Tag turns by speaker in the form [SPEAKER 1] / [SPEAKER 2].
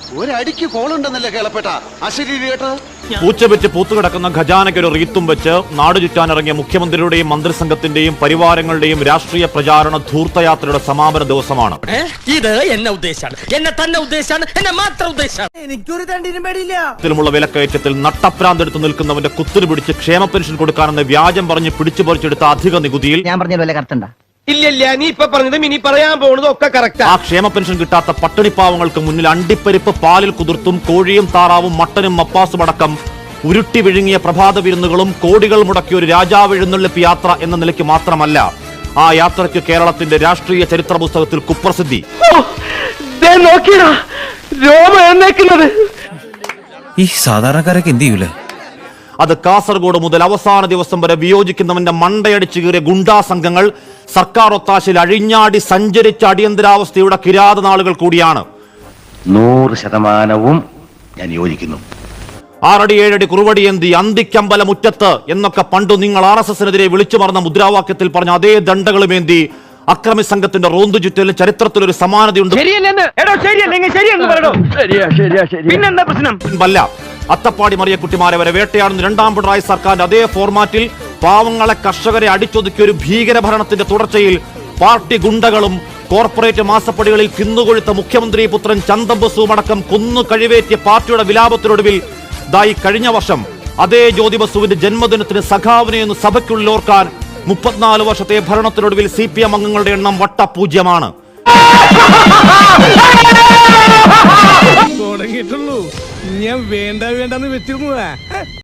[SPEAKER 1] ഒരടിക്ക് കോളുണ്ടെന്നല്ലേ കേളപ്പെട്ട അശരീരി കേട്ടത്.
[SPEAKER 2] പൂച്ചവെച്ച് പൂത്തുകിടക്കുന്ന ഖജാനയ്ക്ക് ഒരു റീത്തും വെച്ച് നാടു ചുറ്റാനിറങ്ങിയ മുഖ്യമന്ത്രിയുടെയും മന്ത്രിസംഘത്തിന്റെയും പരിവാരങ്ങളുടെയും രാഷ്ട്രീയ പ്രചാരണ ധൂർത്തയാത്രയുടെ സമാപന ദിവസമാണ്.
[SPEAKER 3] ഇത് എന്നെ ഉദ്ദേശാണ്, എന്നെ തന്നെ ഉദ്ദേശാണ്, എന്നെ മാത്രം ഉദ്ദേശാണ്. എനിക്കൊരു തണ്ടിനും പേടിയില്ല.
[SPEAKER 2] ത്തിലുമുള്ള വിലക്കയറ്റത്തിൽ നട്ടപ്രാന്തെടുത്ത് നിൽക്കുന്നവന്റെ കുത്തിരി പിടിച്ച് ക്ഷേമ പെൻഷൻ കൊടുക്കാനെന്ന് വ്യാജം പറഞ്ഞ് പിടിച്ചു പറിച്ചെടുത്ത അധിക നികുതിയിൽ
[SPEAKER 4] ഞാൻ പറഞ്ഞ വല്ല കറക്റ്റ് ഉണ്ടാ?
[SPEAKER 3] ഇല്ല, നീ ഇപ്പൊ പറഞ്ഞതും ഇനി പറയാൻ പോകുന്നതും ഒക്കെ കറക്റ്റ്.
[SPEAKER 2] ആ ക്ഷേമ പെൻഷൻ കിട്ടാത്ത പട്ടിണിപ്പാവങ്ങൾക്ക് മുന്നിൽ അണ്ടിപ്പരിപ്പ് പാലിൽ കുതിർത്തും കോഴിയും താറാവും മട്ടനും മപ്പാസും അടക്കം ഉരുട്ടി വിഴുങ്ങിയ പ്രഭാത വിരുന്നുകളും കോടികൾ മുടക്കിയ ഒരു രാജാവ് എഴുന്നള്ളിപ്പ് യാത്ര എന്ന നിലയ്ക്ക് മാത്രമല്ല, ആ യാത്രയ്ക്ക് കേരളത്തിന്റെ രാഷ്ട്രീയ ചരിത്ര പുസ്തകത്തിൽ കുപ്രസിദ്ധി.
[SPEAKER 5] ഈ സാധാരണക്കാരൊക്കെ എന്ത് ചെയ്യൂലേ?
[SPEAKER 2] അത് കാസർഗോഡ് മുതൽ അവസാന ദിവസം വരെ വിയോജിക്കുന്നവന്റെ മണ്ടയടിച്ചു കീറിയ ഗുണ്ടാ സംഘങ്ങൾ സർക്കാർ ഒത്താശയിൽ അഴിഞ്ഞാടി സഞ്ചരിച്ച അടിയന്തരാവസ്ഥയുടെ കിരാത നാളുകൾ കൂടിയാണ്.
[SPEAKER 1] 100% ഞാൻ യോജിക്കുന്നു.
[SPEAKER 2] 6 അടി 7 അടി കുറുവടിയേന്തി അന്തിക്കമ്പല മുറ്റത്ത് എന്നൊക്കെ പണ്ടു നിങ്ങൾ RSSനെതിരെ വിളിച്ചു പറഞ്ഞ മുദ്രാവാക്യത്തിൽ പറഞ്ഞ അതേ ദണ്ഡകളുമേന്തി അക്രമി സംഘത്തിന്റെ റോന്തു ചുറ്റലിന് ചരിത്രത്തിലൊരു സമാനതയുണ്ട്. അത്തപ്പാടി മറിയക്കുട്ടിമാരെ വരെ വേട്ടയാടുന്ന രണ്ടാം പിണറായി സർക്കാരിന്റെ അതേ ഫോർമാറ്റിൽ പാവങ്ങളെ കർഷകരെ അടിച്ചൊതുക്കിയ ഒരു ഭീകരഭരണത്തിന്റെ തുടർച്ചയിൽ പാർട്ടി ഗുണ്ടകളും കോർപ്പറേറ്റ് മാസപ്പടികളിൽ കിന്നുകൊഴുത്ത മുഖ്യമന്ത്രി പുത്രൻ ചന്തംബസുവും അടക്കം കൊന്നു കഴിവേറ്റിയ പാർട്ടിയുടെ വിലാപത്തിനൊടുവിൽ ദായി കഴിഞ്ഞ വർഷം അതേ ജ്യോതി ബസുവിന്റെ ജന്മദിനത്തിന് സഖാവിനെ ഒന്ന് സഭയ്ക്കുള്ളിൽ ഓർക്കാൻ 34 വർഷത്തെ ഭരണത്തിനൊടുവിൽ CPM അംഗങ്ങളുടെ എണ്ണം വട്ടപൂജ്യമാണ്.
[SPEAKER 6] തുടങ്ങിയിട്ടുള്ളൂ, ഞാൻ വേണ്ടെന്ന് വെച്ചിരുന്നു.